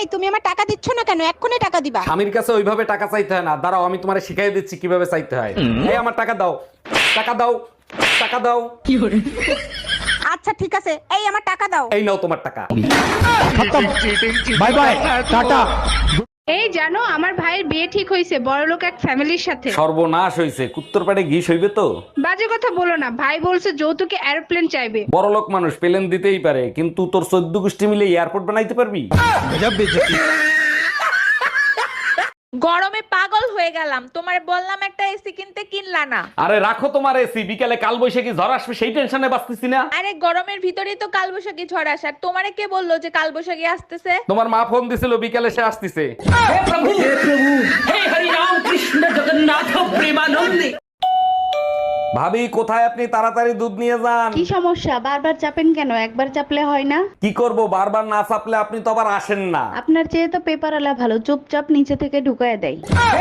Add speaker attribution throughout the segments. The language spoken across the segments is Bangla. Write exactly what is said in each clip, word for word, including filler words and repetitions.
Speaker 1: এই তুমি আমার টাকা দিচ্ছ না কেন? এক্ষুনি টাকা দিবা।
Speaker 2: স্বামীর কাছে ওইভাবে টাকা চাইতে হয় না, দাঁড়াও আমি তোমারে শিখাই দিচ্ছি কিভাবে চাইতে হয়। এই আমার টাকা দাও, টাকা দাও, টাকা দাও।
Speaker 1: আচ্ছা ঠিক আছে, এই আমার টাকা দাও।
Speaker 2: এই নাও তোমার টাকা।
Speaker 3: বাই বাই, টাটা।
Speaker 4: এই জানো আমার ভাইয়ের বিয়ে ঠিক হয়েছে বড়লোক এক ফ্যামিলির সাথে।
Speaker 2: সর্বনাশ হইছে, কুত্তর পেটে ঘিস হইবে তো।
Speaker 4: বাজে কথা বলো না, ভাই বলছে যৌতুকে এরোপ্লেন চাইবে।
Speaker 2: বড়লোক মানুষ পেলেন দিতেই পারে, কিন্তু তোর চোদ্দ গোষ্ঠী মিলে এয়ারপোর্ট বানাইতে পারবি?
Speaker 1: গরমে পাগল হয়ে গেলাম, তোমার বললাম একটা এসি কিনতে, কিনলা না।
Speaker 2: আরে রাখো তোমার এসি, বিকালে কাল বৈশাখী ঝড় আসবে সেই টেনশনে বাঁচতেছি না।
Speaker 1: আরে গরমের ভিতরেই তো কালবৈশাখী ঝড় আসার, তোমারে কে বললো যে কালবৈশাখী আসতেছে?
Speaker 2: তোমার মা ফোন দিছিল বিকালে সে আসতেছে। ভাবি কোথায় আপনি? তাড়াতাড়ি দুধ নিয়ে যান।
Speaker 5: কি সমস্যা? বারবার চাপেন কেন? একবার চাপলে হয় না?
Speaker 2: কি করব, বারবার না চাপলে আপনি তো আবার আসেন না।
Speaker 5: আপনার চেয়ে তো পেপার আলা ভালো, চুপচাপ নিচে থেকে ঢুকায় দেয়।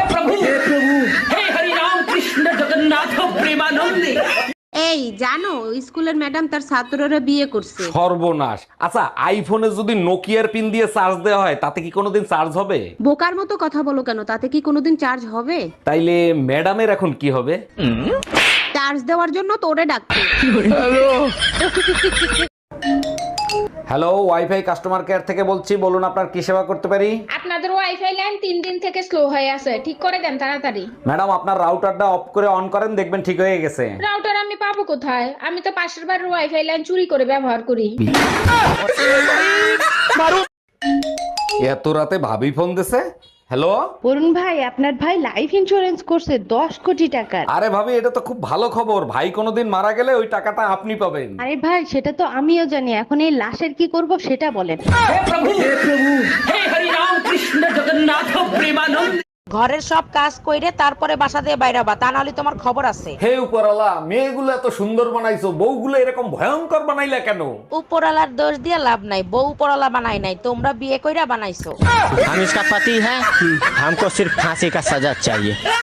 Speaker 6: এই জানো স্কুলের ম্যাডাম তার ছাত্ররা বিয়ে করছে।
Speaker 2: সর্বনাশ। আচ্ছা আইফোনে যদি নোকিয়ার পিন দিয়ে চার্জ দেওয়া হয় তাতে কি কোনোদিন চার্জ হবে?
Speaker 6: বোকার মতো কথা বলো কেন, তাতে কি কোনোদিন চার্জ হবে?
Speaker 2: তাইলে ম্যাডামের এখন কি হবে?
Speaker 6: চার্জ দেওয়ার জন্য তোরে ডাকছে।
Speaker 2: হ্যালো, ওয়াইফাই কাস্টমার কেয়ার থেকে বলছি, বলুন আপনার কি সেবা করতে পারি?
Speaker 4: আপনাদের ওয়াইফাই লাইন তিন দিন থেকে স্লো হয়ে আছে, ঠিক করে দেন তাড়াতাড়ি।
Speaker 2: ম্যাডাম আপনার রাউটারটা অফ করে অন করেন, দেখবেন ঠিক হয়ে গেছে।
Speaker 4: রাউটার আমি পাবো কোথায়? আমি তো পাশের বাড়ির ওয়াইফাই লাইন চুরি করে ব্যবহার করি।
Speaker 2: এত রাতে ভাবি ফোন দিছে। হ্যালো।
Speaker 5: অরুণ ভাই, আপনার ভাই লাইফ ইন্সুরেন্স করছে দশ কোটি টাকার।
Speaker 2: আরে ভাবি এটা তো খুব ভালো খবর, ভাই কোনোদিন মারা গেলে ওই টাকাটা আপনি পাবেন।
Speaker 5: আরে ভাই, সেটা তো আমিও জানি, এখন এই লাশের কি করব সেটা বলেন।
Speaker 7: ঘরের সব কাজ কইরে তারপরে বাসা দিয়ে বাইরাবা, তা নাহলে তোমার খবর আছে।
Speaker 2: হে উপরালা, মেয়েগুলো এত সুন্দর বানাইছো, বউগুলো এরকম ভয়ঙ্কর বানাইলা কেন?
Speaker 7: উপরালার দোষ দিয়ে লাভ নাই, বউ উপরালা বানাই নাই, তোমরা বিয়ে কইরা বানাইছো।
Speaker 3: हम इसका पति है, हमको सिर्फ फांसी का सजा चाहिए।